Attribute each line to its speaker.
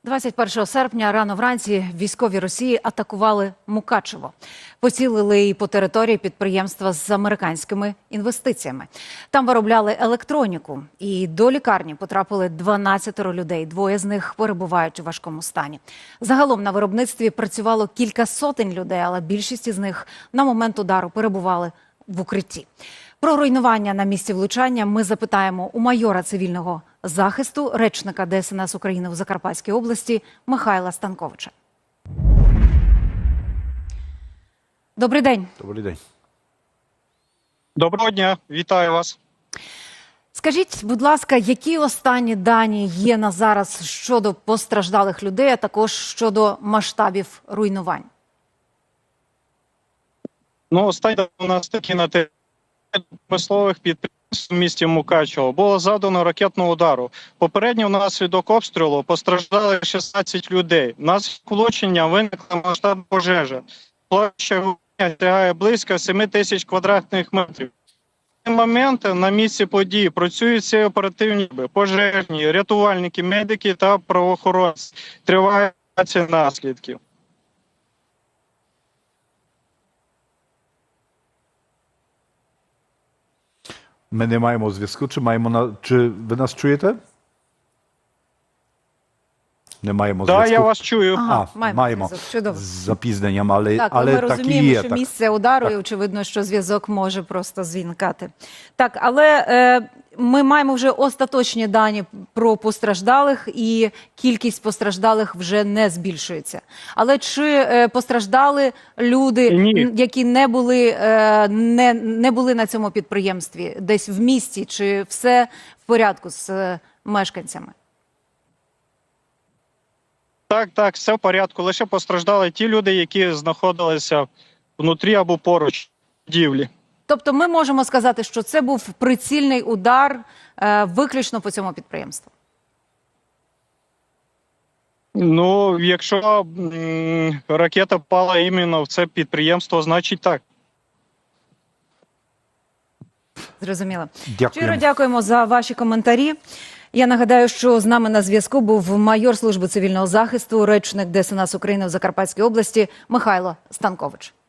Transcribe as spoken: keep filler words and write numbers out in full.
Speaker 1: двадцять першого серпня рано вранці військові Росії атакували Мукачево. Поцілили і по території підприємства з американськими інвестиціями. Там виробляли електроніку. І до лікарні потрапили дванадцять людей. Двоє з них перебувають у важкому стані. Загалом на виробництві працювало кілька сотень людей, але більшість із них на момент удару перебували в укритті. Про руйнування на місці влучання ми запитаємо у майора цивільного захисту, речника Де Ес Ен Ес України у Закарпатській області Михайла Станковича. Добрий день.
Speaker 2: Добрий день.
Speaker 3: Доброго дня, вітаю вас.
Speaker 1: Скажіть, будь ласка, які останні дані є на зараз щодо постраждалих людей, а також щодо масштабів руйнувань?
Speaker 3: Ну, останні у нас такі на території промислових підприємств в місті Мукачево було завдано ракетного удару. Попередньо внаслідок обстрілу постраждали шістнадцять людей. Внаслідок влучення виникла масштабна пожежа. Площа вогню сягає близько семи тисяч квадратних метрів. На момент на місці події працюють всі оперативні пожежні, рятувальники, медики та правоохоронці. Триває ліквідація наслідків.
Speaker 2: Ми не маємо зв'язку, чи маємо на чи ви нас чуєте? Не маємо
Speaker 3: Так,
Speaker 2: зв'язку.
Speaker 3: я вас чую.
Speaker 1: Ага,
Speaker 2: А,
Speaker 1: маємо
Speaker 2: маємо
Speaker 1: зв'язок. Чудово.
Speaker 2: з запізненням, але
Speaker 1: Так,
Speaker 2: але
Speaker 1: ми
Speaker 2: так і
Speaker 1: розуміємо,
Speaker 2: є.
Speaker 1: що
Speaker 2: Так.
Speaker 1: місце удару,
Speaker 2: Так.
Speaker 1: і очевидно, що зв'язок може просто звінкати. Так, але е, ми маємо вже остаточні дані про постраждалих, і кількість постраждалих вже не збільшується. Але чи е, постраждали люди,
Speaker 3: Ні.
Speaker 1: м, які не були, е, не, не були на цьому підприємстві, десь в місті, чи все в порядку з е, мешканцями?
Speaker 3: Так, так, все в порядку. Лише постраждали ті люди, які знаходилися внутрі або поруч будівлі.
Speaker 1: Тобто ми можемо сказати, що це був прицільний удар е, виключно по цьому підприємству?
Speaker 3: Ну, якщо м, ракета впала іменно в це підприємство, значить так.
Speaker 1: Зрозуміло.
Speaker 2: Дякуємо.
Speaker 1: Щиро дякуємо за ваші коментарі. Я нагадаю, що з нами на зв'язку був майор служби цивільного захисту, речник Де Ес Ен Ес України в Закарпатській області Михайло Станкович.